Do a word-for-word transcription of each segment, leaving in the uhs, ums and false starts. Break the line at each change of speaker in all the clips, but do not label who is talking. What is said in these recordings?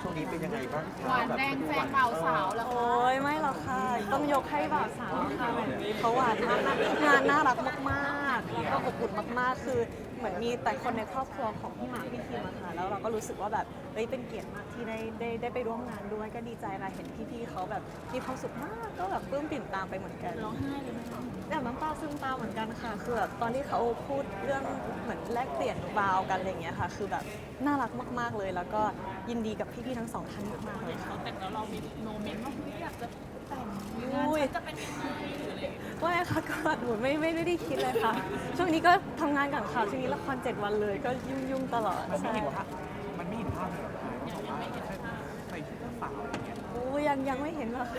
วงนี้เป็นยังไงบ้าง
หวานแดงแฟนบ่าวสาวแล้ว
โอ้ยไม่หรอกค่ะต้องยกให้บ่าวสาวค่ะแบบนี้เขาหวานมากงานน่ารักมากๆแล้วก็อบอุ่นมากๆคือเหมือนมีแต่คนในครอบครัวของพี่หมากพี่คิมอะค่ะแล้วเราก็รู้สึกว่าแบบเฮ้ยเป็นเกียรติมากที่ได้ได้ได้ไปร่วมงานด้วยก็ดีใจค่ะเห็นพี่ๆเขาแบบมีความสุขมากก็แบบปลื้มปิ่มตามไปเหมือนกัน
ร้องไห้เลยไหมคะ
แบบน้ำตาซึมตามเหมือนกันค่ะคือแบบตอนที่เขาพูดเรื่องเหมือนแลกเปลี่ยนบาวกันอะไรอย่างเงี้ยค่ะคือแบบน่ารักมากๆเลย แล้วก็ยินดีกับพี่ๆทั้งสองท่านมากๆเลยค่ะ
แต่งแล้วเรามีโมเมนต์ว่าเฮ้ยอยากจะแต่งงานฉันจะเป็นยังไงหรืออะไรอย่างเงี้ย
ว่าไงคะก็หนูไม่ไม่ได้คิดเลยค่ะ ช่วงนี้ก็ทำงานกับข่าวช่วงนี้ละครเจ็ดวันเลยก็ยุ่งยุ่งๆตลอด
มันไม่
ใช่
เห็นภาพมันไม่เห็นภาพเลยเหรอยังไม่เห็นภาพใส่ชุดเจ้าสาวอะไรอย่างเงี้ย
โอ้ยังยังไม่เห็นหรอก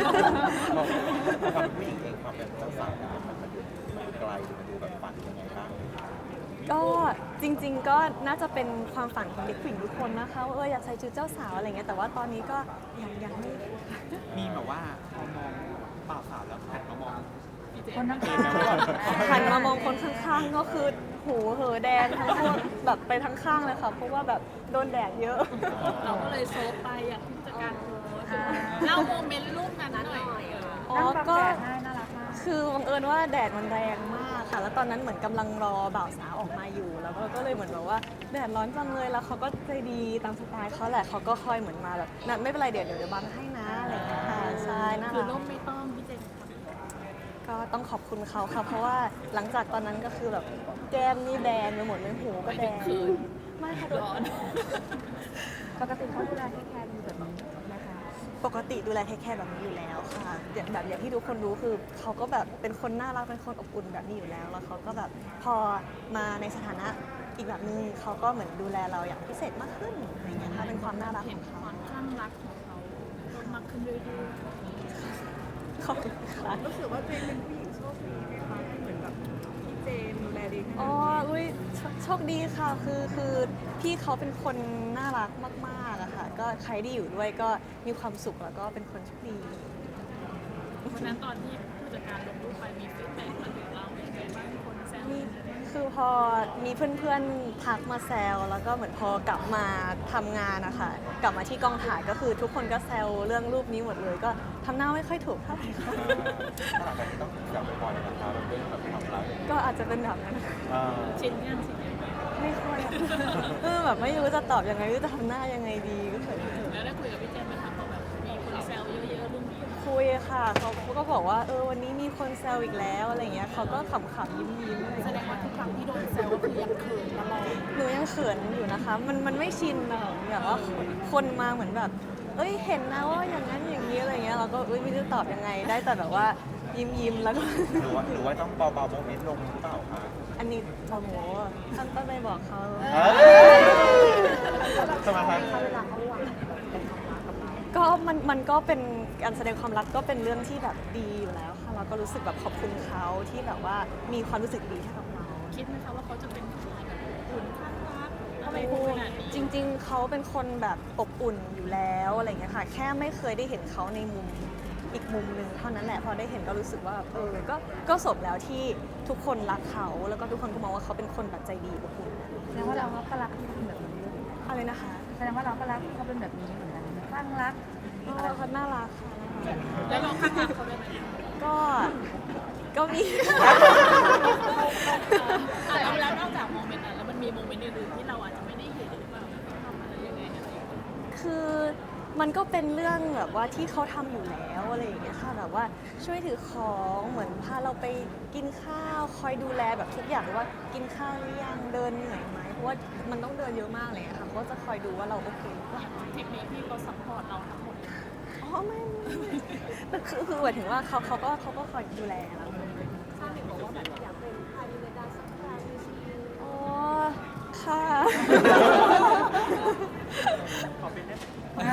ความผู้หญิงเองความเป็นเจ้าสาวเนี่ยมันมันดูมันไกลหรือมันดูแบบฝันยังไงบ้าง
ก็จริง ๆ ก็น่าจะเป็นความฝันของเด็กผู้หญิงทุกคนนะคะว่าเอออยากใส่ชุดเจ้าสาวอะไรเงี้ยแต่ว่าตอนนี้ก็ยังยังไม่
มีแบบว่าพอมองบ่าวสาวแล้วหันมามอง
คนข้าง
หันมามองคนข้างๆ ก็คือหูเหอแดงทั้งพวกแบบไปทั้งข้างเลยค่ะ เพราะว่าแบบโดนแดดเยอะ
เราก็เลยโซฟไปอยากที่จะการโพสเล่าโมเมนต์รูปนั้นหน่อย
อ๋อก็คือบังเอิญว่าแดดมันแรงมากค่ะ แล้วตอนนั้นเหมือนกำลังรอบ่าวสาวออกมาอยู่ แล้วก็เลยเหมือนแบบว่าแดดร้อนจังเลย แล้วเขาก็ใจดีตามสไตล์เขาแหละเขาก็คอยเหมือนมาแบบนั่นไม่เป็นไรเดี๋ยวเดี๋ยวเดี๋ยวบังให้นะอะไรอย่างเงี้ยค่ะใช่น่า
คือ
รั
รู
ก
ปไม่ต้องพี่เจน
ก็ต้องขอบคุณเขาค่ะ เพราะว่าหลังจากตอนนั้นก็คือแบบแก้มนี่แดงไปหมดเลยหูก็แดงไม่ค่ะโด
ร้อน
น
ปกติเขาดูแลให้แคร์ดีแบบนี้นะคะ
ปกติดูแลเทคแคร์แบบนี้อยู่แล้วค่ะอย่างแบบอย่างที่ทุกคนรู้คือเขาก็แบบเป็นคนน่ารักเป็นคนอบอุ่นแบบนี้อยู่แล้ว แล้วเขาก็แบบพอมาในสถานะอีกแบบนึงเขาก็เหมือนดูแลเราอย่างพิเศษมากขึ้นอะไรเงี้ยค่ะเป็นความน่ารัก
เห็
ข
น
อง
ค
เขา
วามคลั่งรักของเขาเพิ่มมากขึ้นเรื่อย
ขอบคุณค่ะ
รู้สึกว่าตัวเองเป็นผู้หญิงโชคดีไหมคะที่เหมือนแบบพี่เจนดูแลดีขนา
อ๋อ
ดนี้
อุ้ยโชโชคดีค่ะ คือ คือ พี่เขาเป็นคนน่ารักมากๆอะค่ะ ก็ใครที่อยู่ด้วยก็มีความสุขแล้วก็เป็นคนโชคดี
ๆวันนั้นตอนที่ผู้จัดการลงรูปไปมีฟีดแบ็กมาถึงเราเป็นไงบ้างคนแซว
นี่คือพอมีเพื่อนๆทักมาแซวแล้วก็เหมือนพอกลับมาทำงานนะคะกลับมาที่กองถ่ายก็คือทุกคนก็แซวเรื่องรูปนี้หมดเลย ก็ทำหน้าไม่ค่อยถูกเท่าไหร่ค่ะ
ถ้าหลังจากนี้ต้องอยากไปบ่อยนะครับเรื่องแบบความรัก
ก็อาจจะเป็นแบบนั้น
อ่า
ชินยังชินยัง
ไม่ค่อยอะเออแบบไม่รู้จะตอบยังไงไม่รู้จะทำหน้ายังไงดีก็เขิน
แล้วได้คุยกับพี่เจนไหมคะพอแบบมีคนแซวเยอะๆรุ่นพี่
คุยค่ะเขาเขาก็บอกว่าเออวันนี้มีคนแซวอีกแล้วอะไรเงี้ยเขาก็ขำๆยิ้มๆอะไร
แสด
เงี้
ง
ย
ว่าทุกครั้งที่โดนแซวก็คือยังเขินตลอด
หนูยังเขินอยู่นะคะ มันมันไม่ชินอะแบบว่าคนมาเหมือนแบบ เอ้ยเห็นนะว่าอย่างนั้นอย่างนี้อะไรเงี้ยเราก็เอ้ยไม่รู้จะตอบยังไงได้แต่แบบว่ายิ้มยิ้มๆแล้วก็
หรือว่าหรือว่าต้องเบาๆโมเมนต์ลงหรือเปล่าคะ
อันนี้โอ้โหท่านต้องไปบอกเขา
เอ้ยทำไมคะ
เวลาเขาหวานเป็นความรักกับเรา
ก็มันมันก็เป็นการแสดงความรักก็เป็นเรื่องที่แบบดีอยู่แล้วค่ะเราก็รู้สึกแบบขอบคุณเขาที่แบบว่ามีความรู้สึกดีให้กับเรา
คิดไหมคะว่าเขาจะเป็นคนแบบอุ่นข้างรักอะไรพูดขนาดนี้
จริงๆ เขาเป็นคนแบบอบอุ่นอยู่แล้วอะไรอย่างเงี้ยค่ะ แค่ไม่เคยได้เห็นเขาในมุมอีกมุมหนึ่งเท่านั้นแหละ พอได้เห็นก็รู้สึกว่าเออ ก็ก็สมแล้วที่ทุกคนรักเขา แล้วก็ทุกคนก็มองว่าเขาเป็นคนแบบใจดีอบอุ่น
แสดงว่าเราก็รักที่เขาเป็นแบบนี้ด้วย
อะไรนะคะ
แสดงว่าเราก็รักที่เขาเป็นแบบนี้เหมือนกันคลั่งรัก
เออเขาน่ารักค่ะ
แล้วเราข้างรักเขาด้วยไหม
ก็ ก็มี
อ่ะแล้วแล้วนอกจากโมเมนต์นั้นแล้วมันมีโมเมนต์อื่นๆที่เราอาจจะไม่ได้เห็นหรือเปล่าเขาทำอะไรยังไงอะไรอย่างเงี้ย
คือมันก็เป็นเรื่องแบบว่าที่เขาทำอยู่แล้วอะไรอย่างเงี้ยค่ะแบบว่าช่วยถือของเหมือนพาเราไปกินข้าวคอยดูแลแบบทุกอย่างว่ากินข้าวหรือยังเดินเหนื่อยไหมเพราะว่ามันต้องเดินเยอะมากเลยอะค่ะเขาก็จะคอยดูว่าเราโอเคหรือเปล่า
ทริปนี้พี่เขาซัพพอร์ตเราทั้งหมดเลย
อ๋อไม่ไม่ไม่แต่คือคือหมายถึงว่าเขาเขาก็เขาก็คอยดูแลเรา
ถ้าเห็นบอกว่าแบบอยากเป็นพาริเลดาสักครั้งสิ
อ๋อค่ะ
ขอเป็นได้ไหม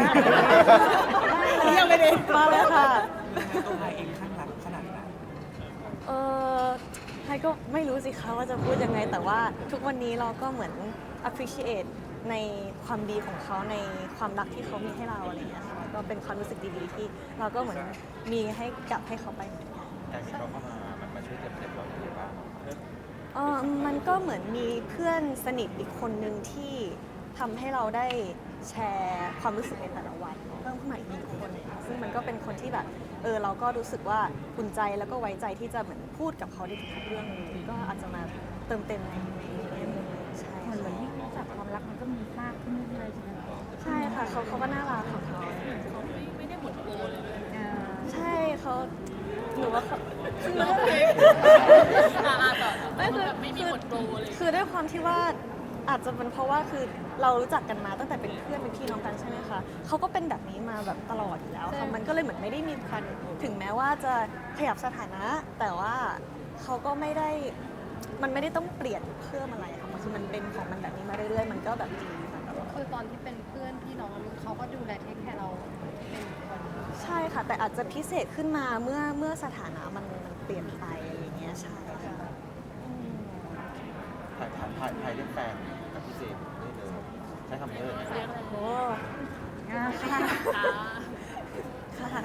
เยี่ยมไปเลยมาเลยค่ะ
ตัวไทยเองข้างรักขนาดไหน
เออไฮก็ไม่รู้สิคะว่าจะพูดยังไง แต่ว่าทุกวันนี้เราก็เหมือน appreciate ในความดีของเขาในความรักที่เขามีให้เราอะไรอย่างเงี้ยค่ะก็เป็นความรู้สึกดีๆที่เราก็เหมือนมีให้กลับให้เขาไปเหมือนกัน
การที่เขาเข้ามามันมาช่วยเติมเต็มเราอย่างไรบ้าง
เออมันก็เหมือนมีเพื่อนสนิทอีกคนนึงที่ทำให้เราได้แชร์ความรู้สึกในแต่ละวันเพิ่มขึ้นมาอีกหนึ่งคนค่ะซึ่งมันก็เป็นคนที่แบบเออเราก็รู้สึกว่าอุ่นใจแล้วก็ไว้ใจที่จะเหมือนพูดกับเขาได้ทุกเรื่องเลยก็อาจจะมาเติมเต็มในในมุมนี้ใช่
เหมือนเหมือนยิ่งรู้จักความรักมันก็มีมากขึ้นเรื่อยๆใช่ไหมคะ
ใช่ค่ะเขาเขาก็น่ารักของเขา
เขาไม่ไม่ได้หมดโปรเลยเลย
อ่า
ใช่เขาหนูว่าเขา
อ่าอ่าต่อ
ไม่คือ
แบบไม่มีหมดโปรเลย
คือด้วยความที่ว่าอาจจะเป็นเพราะว่าคือเรารู้จักกันมาตั้งแต่เป็นเพื่อนเป็นพี่น้องกันใช่ไหมคะเขาก็เป็นแบบนี้มาแบบตลอดอยู่แล้วค่ะมันก็เลยเหมือนไม่ได้มีพันถึงแม้ว่าจะขยับสถานะ แต่ว่าเขาก็ไม่ได้มันไม่ได้ต้องเปลี่ยนเพิ่มอะไรค่ะมันคือมันเป็นของมันแบบนี้มาเรื่อยๆ มันก็แบบดีมาตลอด
คือตอนที่เป็นเพื่อนพี่น้องเขาก็ดูแลเทคแคร์เราเป็นคน
ใช่ค่ะ แต่อาจจะพิเศษขึ้นมาเมื่อเมื่อสถานะมันมันเปลี่ยนไปอะไรอย่างเงี้ยใช่ค่ะอืม
ถ่ายถ่ายถ่ายถ่ายเรื่องแฟนกับพี่เจมส์ได้เลยใช้คำนี้เลย
โอ้
อ่า
ค่ะ
ค่ะ
ค่ะ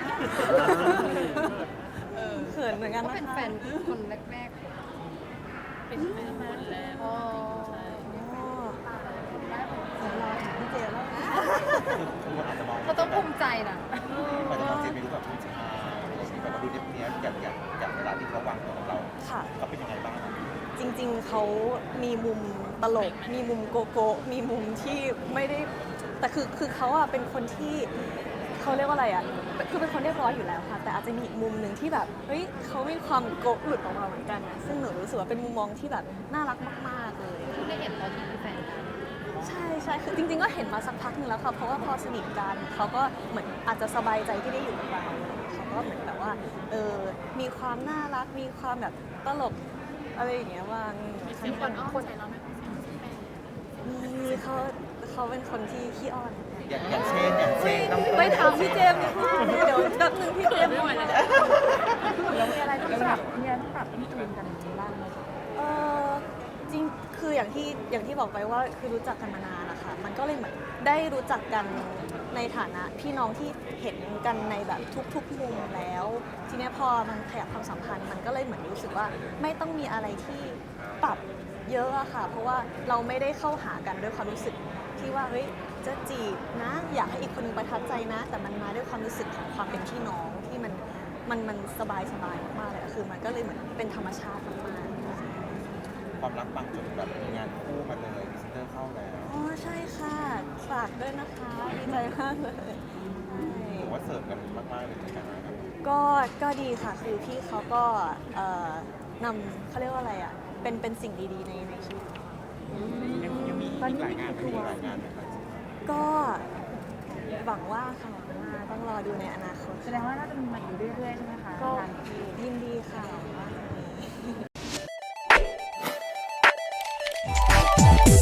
เขินเหมือนกัน
ก็
นะคะ
เป็นแฟนคนแรก
เป็นแฟนคนแรก
ๆอ๋อ
ใช่
โอ้เดี๋ยวรอถึงพี่เจแล้ว
คือคนอาจจะมอง
เขาต้องภูมิใจนะ
อาจจะมองเจมส์เป็นรูปแบบผู้ชายอะไรอย่างนี้แบบว่าดูเนี้ยบๆอย่างอย่างอย่างเวลาที่เขาวางตัวกับเรา
ค่ะ
เขาเป็นยังไงบ้าง
จริงๆ เขามีมุมตลก มีมุมโกโก้มีมุมที่ไม่ได้ แต่คือคือเขาอะเป็นคนที่เขาเรียกว่าอะไรอะคือเป็นคนเรียบร้อยอยู่แล้วค่ะ แต่อาจจะมีอีกมุมหนึ่งที่แบบ เฮ้ยเขามีความโกะหลุดออกมาเหมือนกันนะซึ่งหนูรู้สึกว่าเป็นมุมมองที่แบบน่ารักมากๆเลย
เพิ่งได้เห็นตอนที่เป็นแฟนกัน
ใช่ใช่คือจริงๆ ก็เห็นมาสักพักหนึงแล้วค่ะ เพราะว่าพอสนิทกันเขาก็เหมือนอาจจะสบายใจที่ได้อยู่กับเราอะไรอย่างเงี้ยเขาก็เหมือนแบบว่า เออ มีความน่ารัก มีความแบบตลกอะไรอย่างเงี้ยว่าง
มีเสียงคนอ้อนใจเราไหมเสียงแม่
มีเขาเขาเป็นคนที่ขี้อ้อน
อย่างอย่างเช่นอย่างเช่นต้อง
ไปถามพี่เจมส์ดีกว่าเดี๋ยวแป๊บนึงพี่เจมส์
ไม่ไหวแล้ว
แล้วมีอะไรต้องปรับมีอะไรต้องปรับต้องจูนกันบ้างไหมคะ
เออจริงคืออย่างที่อย่างที่บอกไปว่าคือรู้จักกันมานานนะคะมันก็เลยเหมือนได้รู้จักกันในฐานะพี่น้องที่เห็นกันในแบบทุกๆมุมแล้ว ทีเนี้ยพอมันขยับความสัมพันธ์มันก็เลยเหมือนรู้สึกว่าไม่ต้องมีอะไรที่ปรับเยอะอะค่ะ เพราะว่าเราไม่ได้เข้าหากันด้วยความรู้สึกที่ว่าเฮ้ยจะจีบนะ อยากให้อีกคนนึงประทับใจนะ แต่มันมาด้วยความรู้สึกของความเป็นพี่น้องที่มันมันมันสบายสบายมากๆเลยอะคือมันก็เลยเหมือนเป็นธรรมชาติมากๆ
ความรักบางจนแบบมีงานคู่มาเลยพรีเซนเตอร์เข้าแล้ว
อ๋อใช่ค่ะฝากด้วยนะคะดีใจมากเลยใช่
ผมว่าเสิร์ฟกันมากๆเลยเหมือนกันนะครับ
ก็ก็ดีค่ะคือพี่เขาก็เอ่อนำเขาเรียกว่าอะไรอ่ะเป็นเป็นสิ่งดีๆในในชีวิต
ยังยังมีอีกหลายงานไหม
มีหลายงานไหมครับ
ก็หวังว่าค่ะหวังว่าต้องรอดูในอนาคต
แสดงว่าน่าจะมีมาอยู่เรื่อยๆใช่ไหมคะ
ก็
งานที่
ยินดีค่ะหวังว่าจะมี